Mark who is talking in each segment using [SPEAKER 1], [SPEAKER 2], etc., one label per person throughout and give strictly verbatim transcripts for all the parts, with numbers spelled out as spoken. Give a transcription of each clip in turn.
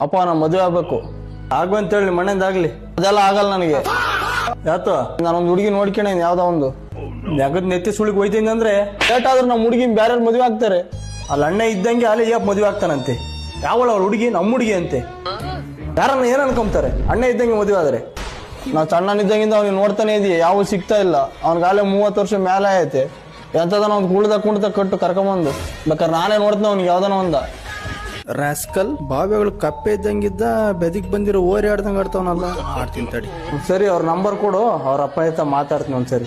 [SPEAKER 1] ಅಪ್ಪ ನಾನು ಮದುವೆ ಆಗ್ಬೇಕು ಆಗು ಅಂತೇಳಿ ನಿಮ್ಮ ಮನೆಯಿಂದ ಆಗ್ಲಿ ಅದೆಲ್ಲ ಆಗಲ್ಲ ನನಗೆ. ಯಾತು ನಾನೊಂದು ಹುಡುಗಿ ನೋಡ್ಕೊಂಡ ಯಾವ್ದೋ ಒಂದು ನೆಗದ್ ನೆತ್ತಿ ಸುಳಿಗೆ ಹೋಯ್ತೀನಿ ಅಂದ್ರೆ ಲೇಟ್ ಆದ್ರೂ ನಮ್ಮ ಹುಡುಗಿನ ಬೇರೆ ಮದುವೆ ಆಗ್ತಾರೆ. ಅಲ್ಲಿ ಅಣ್ಣ ಇದ್ದಂಗೆ ಅಲ್ಲಿ ಯಾಕೆ ಮದುವೆ ಆಗ್ತಾನಂತೆ. ಯಾವಳ ಅವ್ಳ ಹುಡುಗಿ ನಮ್ಮ ಹುಡುಗಿ ಅಂತೆ. ಯಾರನ್ನ ಏನ್ ಅನ್ಕೊಂತಾರೆ ಅಣ್ಣ ಇದ್ದಂಗೆ ಮದುವೆ ಆದ್ರೆ. ನಾವು ಸಣ್ಣನಿದ್ದಂಗಿಂದ ಅವ್ನಿಗೆ ನೋಡ್ತಾನೆ ಇದೀವಿ, ಯಾವ ಸಿಗ್ತಾ ಇಲ್ಲ. ಅವ್ನಿಗಾಲೆ ಮೂವತ್ತು ವರ್ಷ ಮೇಲೆ ಐತೆ. ಎಂತದನ ಒಂದು ಕುಳ್ದ ಕುಣ್ದ ಕಟ್ಟು ಕರ್ಕೊಂಬಂದು ಬೇಕಾದ್ರೆ ನಾನೇ ನೋಡ್ತೀನಿ ಅವ್ನಿಗೆ ಯಾವ್ದನ ಒಂದ ರಾಸ್ಕಲ್. ಬಾವಿಗಳು ಕಪ್ಪೆ ಇದ್ದಂಗಿದ್ದ ಬೆದಿಗ್ ಬಂದಿರೋ ಓರಿ ಆಡ್ದಂಗೆ ಆಡ್ತಾವನಲ್ಲ. ಆಡ್ತೀನಿ ತಡಿ. ಸರಿ ಅವ್ರ ನಂಬರ್ ಕೊಡು, ಅವ್ರ ಅಪ್ಪ ಆಯ್ತಾ ಮಾತಾಡ್ತೀನಿ ಒಂದ್ಸರಿ.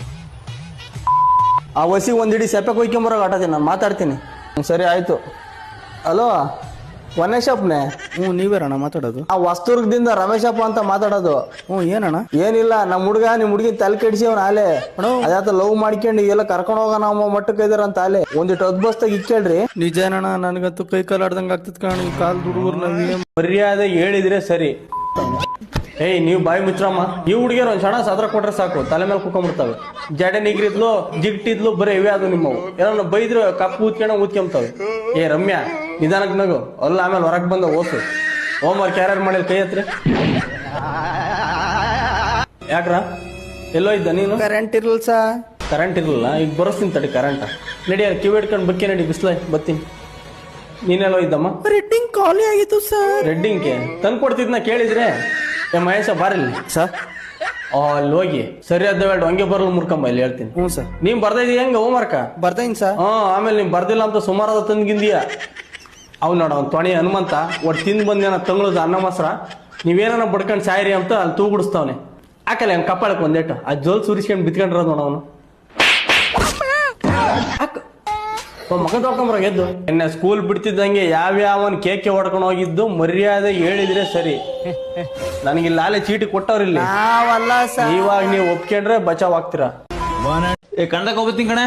[SPEAKER 1] ಆ ವಸಿಗೆ ಒಂದಿಡಿ ಸೆಪೆ ಕೊಯ್ಕೊಂಬರಾಗ ಆಟತೀನಿ ನಾನು ಮಾತಾಡ್ತೀನಿ. ಸರಿ ಆಯ್ತು. ಹಲೋ ವನೇಶಪ್ಪನೇ? ಹ್ಞೂ ನೀವೇರಣ್ಣ ಮಾತಾಡೋದು? ಆ ವಸ್ತುರ್ಗದಿಂದ ರಮೇಶಪ್ಪ ಅಂತ ಮಾತಾಡೋದು. ಹ್ಞೂ ಏನಣ್ಣ? ಏನಿಲ್ಲ, ನಮ್ಮ ಹುಡುಗ ನಿಮ್ಮ ಹುಡುಗಿನ ತಲೆ ಕೆಡಿಸಿ ಅವ್ನ ಆಲೆ ಅದಾತ ಲವ್ ಮಾಡ್ಕೊಂಡು ಎಲ್ಲ ಕರ್ಕೊಂಡು ಹೋಗೋಣ ನಮ್ಮ ಮಟ್ಟಕ್ಕೆ ಇದಾರಂತ ಆಲೆ ಒಂದಿಟ್ಟು ಅದ್ಬಸ್ತಾಗ ಇಕ್ಕೇಳ್ರಿ. ನಿಜನಣ್ಣ, ನನಗಂತೂ ಕೈ ಕಾಲು ಆಡ್ದಂಗೆ ಆಗ್ತದ ಕಾಣ ಈ ಕಾಲ್ ಹುಡುಗರು. ನಾವ್ ಮರ್ಯಾದೆ ಹೇಳಿದ್ರೆ ಸರಿ. ಏಯ್ ನೀವು ಬಾಯಿ ಮುಚ್ರಮ್ಮ. ಈ ಹುಡುಗಿಯರು ಒಂದ್ ಕ್ಷಣ ಸದ್ರ ಕೊಟ್ರೆ ಸಾಕು ತಲೆ ಮೇಲೆ ಕುತ್ಕೊಂಡ್ಬಿಡ್ತಾವೆ. ಜಡೆ ನಿಗ್ರಿದ್ಲು ಜಿಟ್ಟಿದ್ಲು ಬರೀ ಇವೇ ಅದು ನಿಮ್ಮವು. ಏನಾರ ಬೈದ್ರು ಕಪ್ಪು ಊದ್ಕೊಂಡ ಊದ್ಕೊಂತವೆ. ಏ ರಮ್ಯಾ ನಿಧಾನಕ್ಕೆ ನಗು, ಅಲ್ಲ ಆಮೇಲೆ ಹೊರಗೆ ಬಂದ ಓಸು. ಹೋಮ್ ವರ್ಕ್ ಯಾರ್ಯಾರು ಮಾಡಿಲ್ಲ ಕೈ ಹತ್ರ. ಯಾಕ್ರ ಎಲ್ಲೋ ಇದ್ದ ನೀನು? ಕರೆಂಟ್ ಇರಲ್ಲ ಸಾ. ಕರೆಂಟ್ ಇರಲಿಲ್ಲ, ಈಗ ಬರೋಸ್ತೀನಿ ತಡಿ ಕರೆಂಟ್. ನಡಿ ಕಿವಿ ಹಿಡ್ಕೊಂಡು ಬಕ್ಕಿ ನಡಿ, ಬಿಸ್ಲ ಬತ್ತೀನಿ. ನೀನೆಲ್ಲೋ ಇದ್ದಮ್ಮ? ರೆಡ್ಡಿಂಗ್ ಖಾಲಿ ಆಗಿತ್ತು ಸರ್. ರೆಡ್ಡಿಂಗ್ಗೆ ತಂದು ಕೊಡ್ತಿದ್ನ ಕೇಳಿದ್ರೆ. ಏ ಮಹೇಶ ಬಾರಿಲ್ಲ ಸರ್. ಅಲ್ಲಿ ಹೋಗಿ ಸರಿಯಾದ ವೇಳೆ ಹಂಗೆ ಬರಲು ಮುರ್ಕಂಬ ಇಲ್ಲಿ ಹೇಳ್ತೀನಿ. ಹ್ಞೂ ಸರ್. ನೀವ್ ಬರ್ದೈದಿ ಹೆಂಗ ಹೋಮ್ ವರ್ಕ? ಬರ್ದೈನ್ ಸರ್. ಹ್ಞೂ ಆಮೇಲೆ ನೀವ್ ಬರ್ದಿಲ್ಲ ಅಂತ ಸುಮಾರಾದ ತಂದ್ಗಿಂದಿಯ. ಅವ್ ನೋಡ ಅವ್ನು ತೊಣಿ ಹನುಮಂತ ಒಟ್ಟು ತಿಂದು ಬಂದೇನ ತಂಗ್ಳದ ಅನ್ನ ಮೊಸರ ನೀವೇನ ಬಡ್ಕೊಂಡು ಸಾಯಿರಿ ಅಂತ ಅಲ್ಲಿ ತೂಗುಡಿಸ್ತಾವನೆ. ಹಾಕಲ್ಲ ಅವ್ನು ಕಪ್ಪಾಳಕ್ಕೆ ಒಂದೇಟು ಆ ಜೋಲ್ ಸುರಿಸ್ಕೊಂಡು ಬಿತ್ಕೊಂಡಿರೋದು ನೋಡ ಅವನು. ಮಗ ತೊಳ್ಕೊಂಬರ ಗೆದ್ದು ಎನ್ನ ಸ್ಕೂಲ್ ಬಿಡ್ತಿದ್ದಂಗೆ ಯಾವ್ಯಾವನ್ ಕೇಕೆ ಹೊಡ್ಕೊಂಡು ಹೋಗಿದ್ದು ಮರ್ಯಾದೆ ಹೇಳಿದ್ರೆ ಸರಿ. ನನಗೆ ಲಾಲೆ ಚೀಟಿ ಕೊಟ್ಟವ್ರಿಲ್ಲ. ಇವಾಗ ನೀವು ಒಪ್ಕೊಂಡ್ರೆ ಬಚಾವ್ ಆಗ್ತೀರಾ.
[SPEAKER 2] ಏ ಕಣ್ದಕ್ ಹೋಗ್ತೀನಿ ಕಣೆ.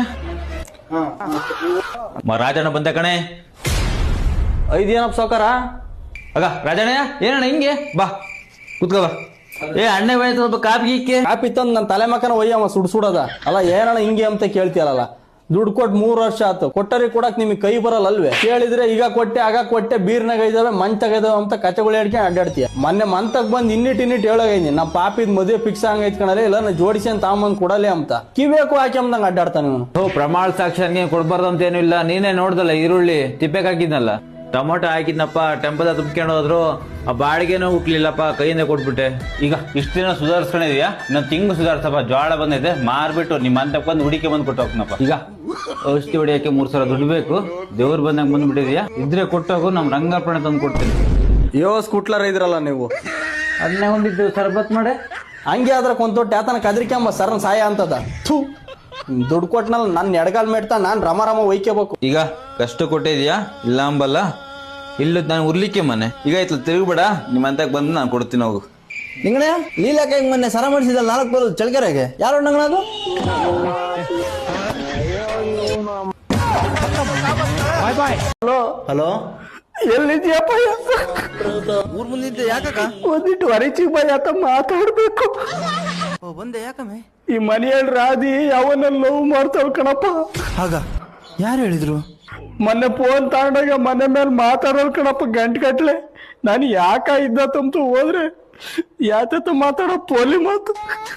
[SPEAKER 2] ರಾಜಣ್ಣ ಬಂದ ಕಣೆ.
[SPEAKER 1] ಐದೇನಪ್ಪ ಸಾವ್ಕಾರ?
[SPEAKER 2] ಆಗ ರಾಜಣ್ಣ ಏನಣ್ಣ ಹಿಂಗೆ ಬಾ ಕುತ್ಕೋ ಬಾ. ಏ ಅಣ್ಣ ಬೈತ ಸ್ವಲ್ಪ ಕಾಪಿ ಗೀಕೆ
[SPEAKER 1] ಕಾಪಿ ತಂದು ನನ್ನ ತಲೆ ಮಕ್ಕನ ಒಯ್ಯಮ್ಮ ಸುಡ್ ಸುಡೋದ ಅಲ್ಲ. ಏನಣ್ಣ ಹಿಂಗೆ ಅಂತ ಕೇಳ್ತೀಯಲ್ಲ. ದುಡ್ಡು ಕೊಟ್ಟು ಮೂರ್ ವರ್ಷ ಆಯ್ತು, ಕೊಟ್ಟರಿ ಕೊಡಕ್ ನಿಮಗೆ ಕೈ ಬರಲ್ಲ ಅಲ್ವೇ? ಕೇಳಿದ್ರೆ ಈಗ ಕೊಟ್ಟೆ ಆಗ ಕೊಟ್ಟೆ ಬೀರ್ನಾಗ ಇದಾವೆ ಮಂತಾಗ ಇದಾವೆ ಅಂತ ಕಚಗಳು ಹೇಳ್ಕೊಂಡು ಅಡ್ಡಾಡ್ತೀಯ. ಮೊನ್ನೆ ಮಂತಕ್ ಬಂದ್ ಇನ್ನಿಟ್ ಇನ್ನಿಟ್ ಹೇಳೋಗೈನಿ ನಾ ಪಾಪಿದ್ ಮದುವೆ ಫಿಕ್ಸ್ ಹಂಗೈತ್ ಕಣಲೆ ಇಲ್ಲ ನಾ ಜೋಡಿಸಿ ಅಂತ ತಾಂಬಂದ್ ಕೊಡಲಿ ಅಂತ ಕಿವೇಕು ಹಾಕಿ ಅಂದಂಗ ಅಡ್ಡಾಡ್ತಾನೆ ಇವನು.
[SPEAKER 2] ಓ ಪ್ರಮಾಣ ಸಾಕ್ಷನ್ಗೆ ಕೊಡ್ಬಾರ್ದು ಅಂತ ಏನು ಇಲ್ಲ. ನೀನೇ ನೋಡ್ದಲ್ಲ ಈರುಳ್ಳಿ ತಿಪ್ಪೆಗೆ ಹಾಕಿದ್ನಲ್ಲ, ಟೊಮೊಟೊ ಹಾಕಿದ್ನಪ್ಪ, ಟೆಂಪದ ತುಂಬ್ಕೊಂಡು ಹೋದ್ರು. ಆ ಬಾಡಿಗೆನೂ ಹುಟ್ಲಿಲ್ಲಪ್ಪ, ಕೈಯಿಂದ ಕೊಟ್ಬಿಟ್ಟೆ. ಈಗ ಇಷ್ಟ ದಿನ ಸುಧಾರಿಸ್ಕೊಂಡಿದ್ಯಾ, ಇನ್ನೊಂದು ತಿಂಗಳು ಸುಧಾರಿಸಪ್ಪ. ಜೋಳ ಬಂದೈತೆ ಮಾರ್ಬಿಟ್ಟು ನಿಮ್ಮ ಅಂತಕ್ಕೆ ಬಂದು ಹುಡಿಕೆ ಬಂದು ಕೊಟ್ಟು ಹೋಗ್ನಪ್ಪ. ಈಗ ಔಷಧಿ ಹೊಡಿಯಕ್ಕೆ ಮೂರ್ ಸಾವಿರ ದುಡ್ಡು ಬೇಕು, ದೇವ್ರು ಬಂದಂಗೆ ಬಂದ್ಬಿಟ್ಟಿದ್ಯಾ. ಇದ್ರೆ ಕೊಟ್ಟೋಗು, ನಮ್ ರಂಗಾರ್ಪಣೆ ತಂದು ಕೊಡ್ತೀನಿ.
[SPEAKER 1] ಯೋ ಸ್ಕೂಟ್ಲರ್ ಇದ್ರಲ್ಲ ನೀವು,
[SPEAKER 2] ಅದನ್ನೇ ಒಂದಿದ್ದು ಸರ್ಬತ್ ಮಾಡೆ.
[SPEAKER 1] ಹಂಗೆ ಆದ್ರೆ ಕೊಂತೊಟ್ಟು ಯಾತನ ಕದ್ರಿಕೆಂಬ ಸರ್ನ ಸಾಯ ಅಂತದ. ಥೂ ದುಡ್ಡು ಕೊಟ್ಟನಲ್ಲ ನನ್ನ ಎಡಗಾಲ್ ಮೇಡ್ತಾ ನಾನ್ ರಮ ರಮ ಒಯ್ಕೋಬೇಕು.
[SPEAKER 2] ಈಗ ಕಷ್ಟ ಕೊಟ್ಟಿದ್ಯಾ ಇಲ್ಲ ಅಂಬಲ್ಲ. ಇಲ್ಲ ನಾನು ಉರ್ಲಿಕ್ಕೆ ಮನೆ ಈಗ ಆಯ್ತು ತಿರುಗಬೇಡ. ನಿಮ್ಮ ಅಂತಕ್ಕೆ ಬಂದು ನಾನು ಕೊಡ್ತೀನಿ ಹೋಗು.
[SPEAKER 3] ನಿಂಗಣೆ ಲೀಲಾಕ ಮೊನ್ನೆ ಸರ ಮಾಡಿಸಿದಲ್ಲ ನಾಲ್ಕು ಬರೋದು ಚಳ್ಕೆರೆಗೆ ಯಾರು ನಂಗನದು?
[SPEAKER 1] Hello
[SPEAKER 3] hello
[SPEAKER 1] ಎಲ್ಲಿದ್ಯಪ್ಪ?
[SPEAKER 3] ಊರ್ ಮುಂದಿದ್ದೆ ಯಾಕಕ್ಕ?
[SPEAKER 1] ಒಂದಿಟ್ಟು ಹೊರಚಿಗೆ ಬೈ ಆತ ಮಾತಾಡ್ಬೇಕು.
[SPEAKER 3] ಬಂದೆ ಯಾಕಮ್ಮೆ?
[SPEAKER 1] ಈ ಮನೆಯಲ್ಲಿ ರಾಧಿ ಯಾವನ್ನ ಲವ್ ಮಾಡ್ತಾವ್ ಕಣಪ್ಪ.
[SPEAKER 3] ಆಗ ಯಾರು ಹೇಳಿದ್ರು?
[SPEAKER 1] ಮೊನ್ನೆ ಫೋನ್ ತಗೊಂಡಾಗ ಮನೆ ಮೇಲೆ ಮಾತಾಡೋಲ್ ಕಣಪ್ಪ ಗಂಟೆ ಗಟ್ಲೆ. ನಾನು ಯಾಕ ಇದ್ದತ್ತಂತೂ ಹೋದ್ರೆ ಯಾತ ಮಾತಾಡೋ ಪೋಲಿ ಮಾತು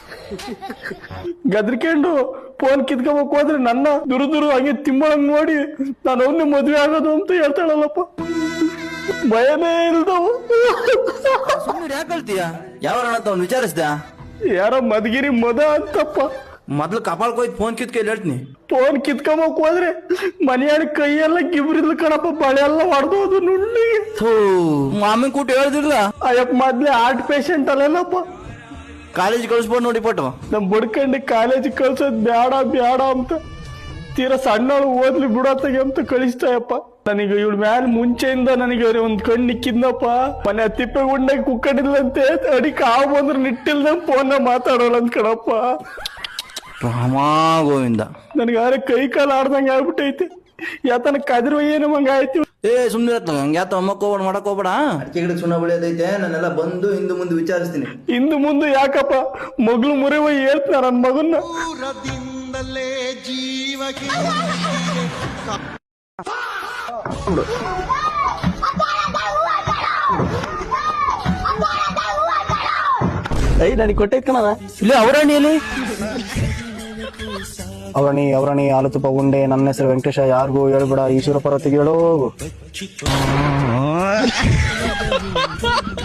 [SPEAKER 1] ಗದ್ರಿಕೊಂಡು ಫೋನ್ ಕಿತ್ಕೋಬೇಕು ಹೋದ್ರೆ ನನ್ನ ದುರು ದುರು ಹಂಗೆ ತಿಮ್ಮಳಂಗ್ ನೋಡಿ ನಾನು ಅವನ್ನೇ ಮದ್ವೆ ಆಗೋದು ಅಂತ ಹೇಳ್ತಾಳಲ್ಲಪ್ಪ. ಭಯನೇ ಇಲ್ದವ.
[SPEAKER 3] ಸುಮ್ಮನೆ ಯಾಕೆ ಹೇಳ್ತೀಯ? ಯಾವ ಅವ್ನು ವಿಚಾರಿಸ್ದ?
[SPEAKER 1] ಯಾರ ಮದ್ಗಿರಿ ಮದ ಅಂತಪ್ಪ.
[SPEAKER 3] ಮೊದ್ಲು ಕಪಾಲ್ ಕೊಯ್ದು ಫೋನ್ ಕಿತ್ಕೊಂಡು ಹೇಳ್ತೀನಿ.
[SPEAKER 1] ಫೋನ್ ಕಿತ್ಕೊಂಬಕ್ ಹೋದ್ರೆ ಮನೆಯಾಡ ಕೈಯೆಲ್ಲ ಗಿಬ್ರಿದ್ಲು ಕಣಪ್ಪ, ಬಳೆ ಎಲ್ಲ ಹೊಡೆದೋದು ನುಣ್ಣಿಗೆ.
[SPEAKER 3] ಮಾಮನ್ ಕೂಟ ಹೇಳ್ದಿಲ್ಲ
[SPEAKER 1] ಅಯ್ಯಪ್ಪ ಮೊದ್ಲೇ ಹಾರ್ಟ್ ಪೇಷಂಟ್ ಅಲ್ಲೇನಪ್ಪ.
[SPEAKER 3] ಕಾಲೇಜ್ ಕಳಿಸ್ಬೋದು ನೋಡಿ ಪಟ್ಟು
[SPEAKER 1] ನಮ್ ಬಡ್ಕಂಡು ಕಾಲೇಜ್ ಕಳ್ಸೋದ್ ಬ್ಯಾಡ ಬ್ಯಾಡ ಅಂತ ತೀರಾ ಸಣ್ಣಳು ಓದ್ಲಿ ಬಿಡತ್ತಾಗೆ ಅಂತ ಕಳಿಸ್ತಾಯಪ್ಪ. ನನಗೆ ಇವಳ ಮ್ಯಾಲ ಮುಂಚೆಯಿಂದ ನನಗೆ ಒಂದ್ ಕಣ್ಣು ನಿಕ್ಕಿದ್ನಪ್ಪ. ಮನೆ ತಿಪ್ಪೆ ಗುಂಡಾಗ ಕುಕ್ಕಡಿಲ್ಲಂತೆ ಅಡಿಕೆ ಹಾವು ಬಂದ್ರೆ ನಿಟ್ಟಿಲ್ದಂಗ್ ಫೋನ್ ಮಾತಾಡೋಲ್ಲ ಅಂತ ಕಣಪ್ಪ.
[SPEAKER 3] ರಾಮಾ ಗೋವಿಂದ
[SPEAKER 1] ನನ್ಗಾರೆ ಕೈ ಕಾಲು ಆಡ್ದಂಗ ಆಗ್ಬಿಟ್ಟೈತಿ. ಯಾತನ ಕದಿರು ಏನು ಮಂಗ ಆಯ್ತು.
[SPEAKER 3] ಏ ಸುಮ್ನೆ ಹಂಗ ಯಾತ ಅಮ್ಮಕ್ ಹೋಗ್ಬೇಡ ಮಾಡಕ್ ಹೋಗ್ಬೇಡ. ಅಡಿಕೆ ಗಿಡಕ್ಕೆ ಸುಣ್ಣ ಬೆಳೆಯೋದೈತೆ, ನಾನೆಲ್ಲ ಬಂದು ಹಿಂದೆ ಮುಂದೆ ವಿಚಾರಿಸ್ತೀನಿ.
[SPEAKER 1] ಇಂದು ಮುಂದೆ ಯಾಕಪ್ಪ? ಮಗ್ಳು ಮುರಿವ ಹೇಳ್ತಾರ ನನ್ ಮಗನ್ನ. ಐ ನನಗೆ ಕೊಟ್ಟೈತ್ ಕಣ
[SPEAKER 3] ಇಲ್ಲಿ ಅವರಣಿಯಲ್ಲಿ
[SPEAKER 1] ಅವರಣಿ ಅವರಣಿ ಹಾಲು ತುಪ್ಪ ಉಂಡೆ ನನ್ನ ಹೆಸರು ವೆಂಕಟೇಶ ಯಾರಿಗೂ ಹೇಳ್ಬೇಡ ಈಶ್ವರ ಪರ್ವತಿಗೆ ಹೇಳೋ